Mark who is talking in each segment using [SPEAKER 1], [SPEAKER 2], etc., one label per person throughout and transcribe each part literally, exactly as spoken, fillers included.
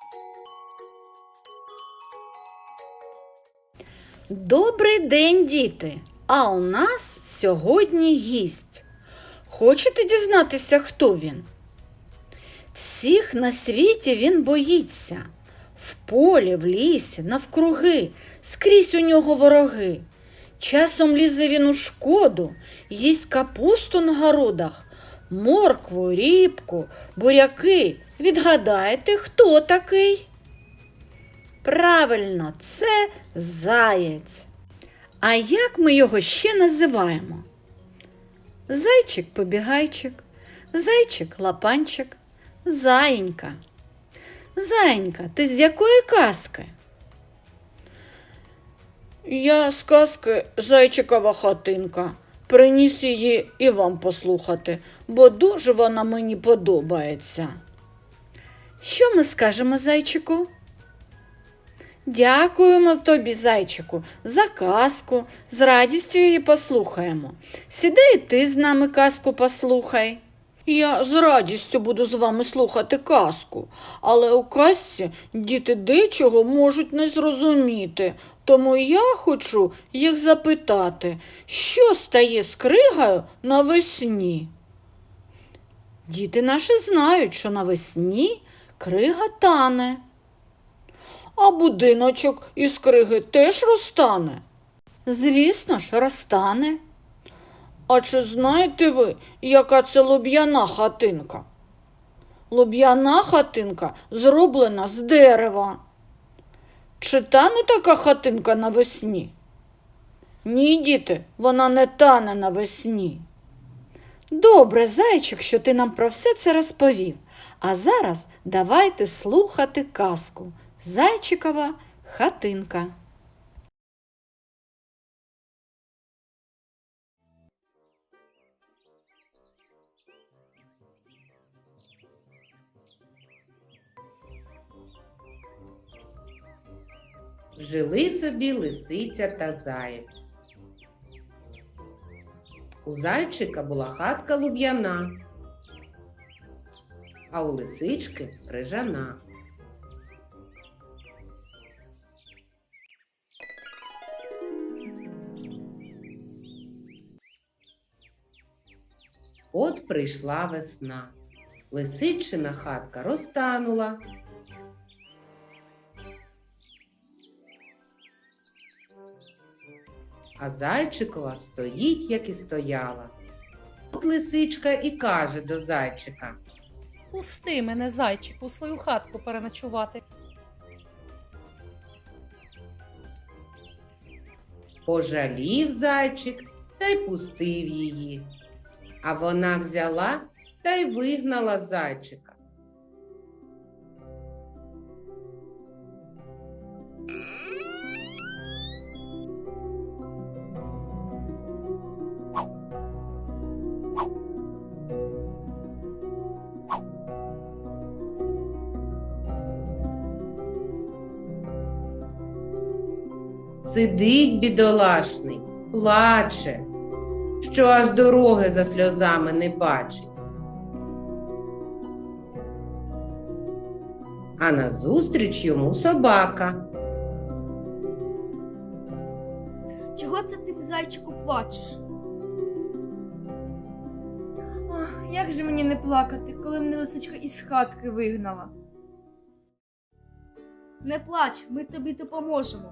[SPEAKER 1] Добрий день, діти! А у нас сьогодні гість. Хочете дізнатися, хто він? Всіх на світі він боїться. В полі, в лісі, навкруги, скрізь у нього вороги. Часом лізе він у шкоду, їсть капусту на городах, моркву, ріпку, буряки. Відгадайте, хто такий? Правильно, це заєць. А як ми його ще називаємо? Зайчик-побігайчик, зайчик-лапанчик, заєнька. Заєнька, ти з якої казки? Я з казки «Зайчикова хатинка». Приніс її і вам послухати, бо дуже вона мені подобається. Що ми скажемо зайчику? Дякуємо тобі, зайчику, за казку, з радістю її послухаємо. Сідай і ти з нами казку послухай. Я з радістю буду з вами слухати казку, але у казці діти дечого можуть не зрозуміти, тому я хочу їх запитати, що стає з кригою навесні? Діти наші знають, що навесні крига тане. А будиночок із криги теж розтане? Звісно ж, розтане. А чи знаєте ви, яка це луб'яна хатинка? Луб'яна хатинка зроблена з дерева. Чи тане така хатинка навесні? Ні, діти, вона не тане навесні. Добре, зайчик, що ти нам про все це розповів. А зараз давайте слухати казку «Зайчикова хатинка».
[SPEAKER 2] Жили собі лисиця та заєць. У зайчика була хатка луб'яна, а у лисички крижана. От прийшла весна. Лисичина хатка розтанула. А зайчикова стоїть, як і стояла. От лисичка і каже до зайчика:
[SPEAKER 3] Пусти мене, зайчику, у свою хатку переночувати.
[SPEAKER 2] Пожалів зайчик та й пустив її. А вона взяла та й вигнала зайчика. Сидить бідолашний, плаче, що аж дороги за сльозами не бачить. А назустріч йому собака.
[SPEAKER 4] Чого це ти, зайчику, плачеш?
[SPEAKER 5] Ах, як же мені не плакати, коли мене лисичка із хатки вигнала?
[SPEAKER 4] Не плач, ми тобі допоможемо.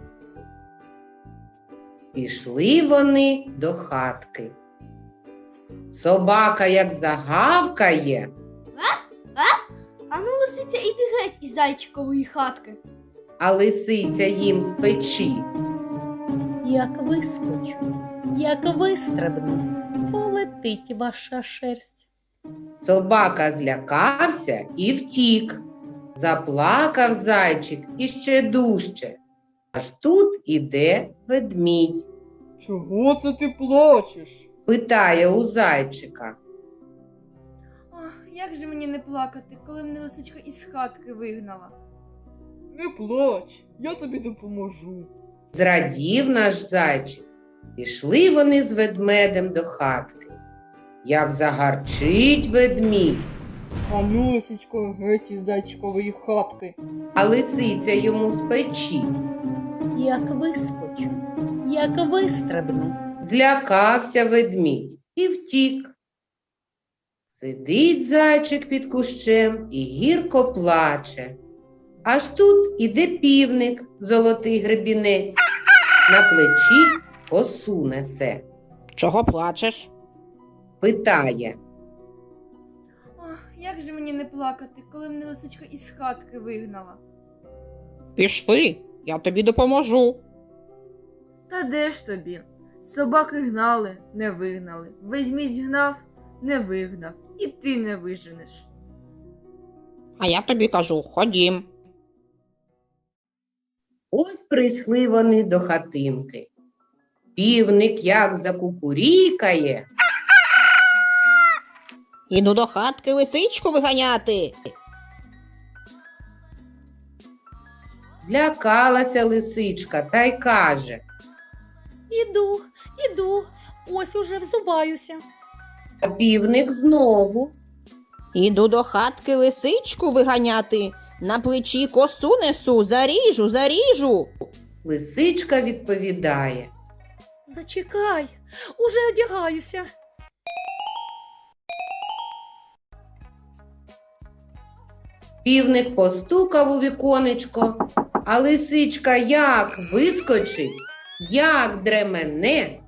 [SPEAKER 2] Пішли вони до хатки. Собака як загавкає.
[SPEAKER 4] Ану, лисиця, іди геть із зайчикової хатки.
[SPEAKER 2] А лисиця їм з печі.
[SPEAKER 3] Як вискочу, як вистрибну, полетить ваша шерсть.
[SPEAKER 2] Собака злякався і втік. Заплакав зайчик іще дужче. Аж тут іде ведмідь.
[SPEAKER 6] Чого це ти плачеш?
[SPEAKER 2] Питає у зайчика.
[SPEAKER 5] Ах, як же мені не плакати, коли мене лисичка із хатки вигнала?
[SPEAKER 6] Не плач, я тобі допоможу.
[SPEAKER 2] Зрадів наш зайчик. Пішли вони з ведмедем до хатки. Як загарчить ведмідь.
[SPEAKER 6] Ану, лисичко, геть із зайчикової хатки.
[SPEAKER 2] А лисиця йому з печі.
[SPEAKER 3] Як вискочу, як вистрибну.
[SPEAKER 2] Злякався ведмідь і втік. Сидить зайчик під кущем і гірко плаче. Аж тут іде півник, золотий гребінець, на плечі косу несе.
[SPEAKER 7] Чого плачеш?
[SPEAKER 2] Питає:
[SPEAKER 5] Ох, як же мені не плакати, коли мене лисичка із хатки вигнала?
[SPEAKER 7] Пішли, я тобі допоможу.
[SPEAKER 5] Та де ж тобі? Собаки гнали, не вигнали. Ведмідь гнав, не вигнав. І ти не виженеш.
[SPEAKER 7] А я тобі кажу, ходім.
[SPEAKER 2] ось прийшли вони до хатинки. Півник як закукурікає.
[SPEAKER 7] Іду до хатки лисичку виганяти.
[SPEAKER 2] Злякалася лисичка та й каже:
[SPEAKER 3] Іду, іду, ось уже взуваюся.
[SPEAKER 2] а півник знову.
[SPEAKER 7] Іду до хатки лисичку виганяти. На плечі косу несу, заріжу, заріжу.
[SPEAKER 2] Лисичка відповідає:
[SPEAKER 3] Зачекай, уже одягаюся.
[SPEAKER 2] Півник постукав у віконечко, а лисичка як вискочить, як дремене.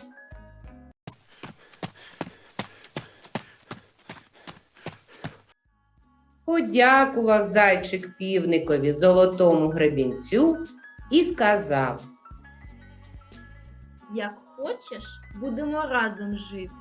[SPEAKER 2] Подякував зайчик півникові золотому гребінцю і сказав:
[SPEAKER 4] Як хочеш, будемо разом жити.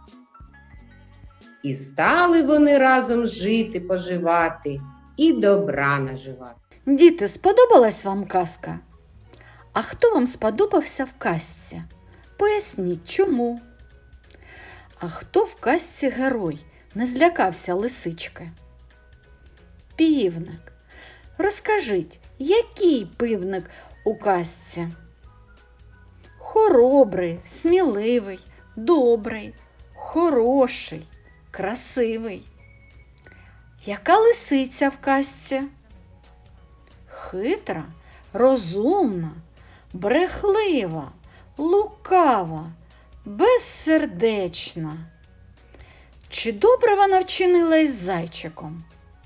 [SPEAKER 2] і стали вони разом жити, поживати і добра наживати.
[SPEAKER 1] Діти, сподобалась вам казка? А хто вам сподобався в казці? Поясніть, чому? А хто в казці герой не злякався лисички? Півник. Розкажіть, який півник у казці? Хоробрий, сміливий, добрий, хороший, красивий. Яка лисиця в казці? Хитра, розумна, брехлива, лукава, безсердечна. Чи добре вона вчинила із зайчиком?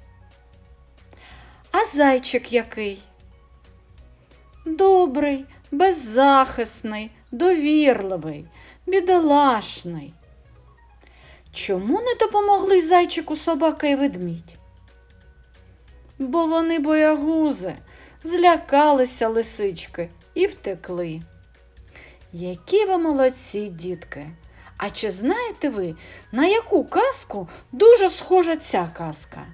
[SPEAKER 1] А зайчик який? Добрий, беззахисний, довірливий, бідолашний. Чому не допомогли зайчику собака і ведмідь? Бо вони боягузи, злякалися лисички і втекли. Які ви молодці, дітки! А чи знаєте ви, на яку казку дуже схожа ця казка?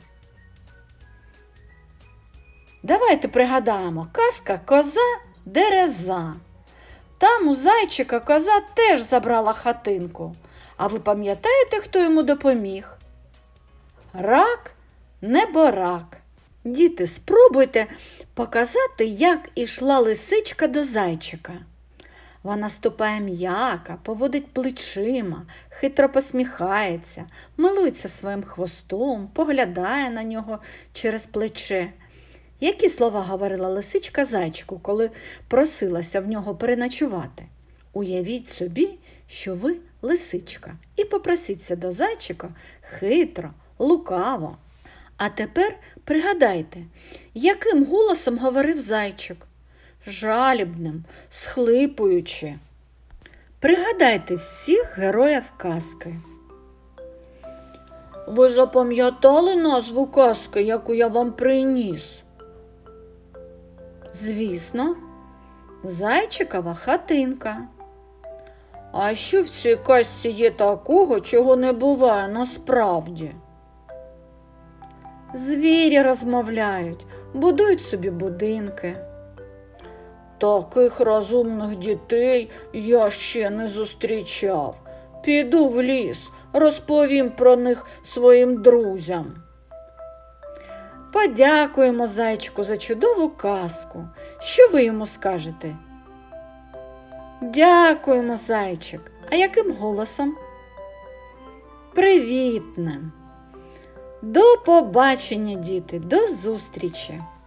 [SPEAKER 1] Давайте пригадаємо, казка «Коза Дереза». Там у зайчика коза теж забрала хатинку. А ви пам'ятаєте, хто йому допоміг? Рак неборак. Діти, спробуйте показати, як ішла лисичка до зайчика. Вона ступає м'яко, поводить плечима, хитро посміхається, милується своїм хвостом, поглядає на нього через плече. Які слова говорила лисичка зайчику, коли просилася в нього переночувати? Уявіть собі, що ви лисичка, і попросіться до зайчика хитро, лукаво. А тепер пригадайте, яким голосом говорив зайчик? Жалібним, схлипуючи. Пригадайте всіх героїв казки. Ви запам'ятали назву казки, яку я вам приніс? Звісно, Зайчикова хатинка. А що в цій казці є такого, чого не буває насправді? Звірі розмовляють, будують собі будинки. Таких розумних дітей я ще не зустрічав. Піду в ліс, розповім про них своїм друзям. Подякуємо зайчику за чудову казку. Що ви йому скажете? Дякуємо, зайчик. А яким голосом? Привітним. До побачення, діти, до зустрічі!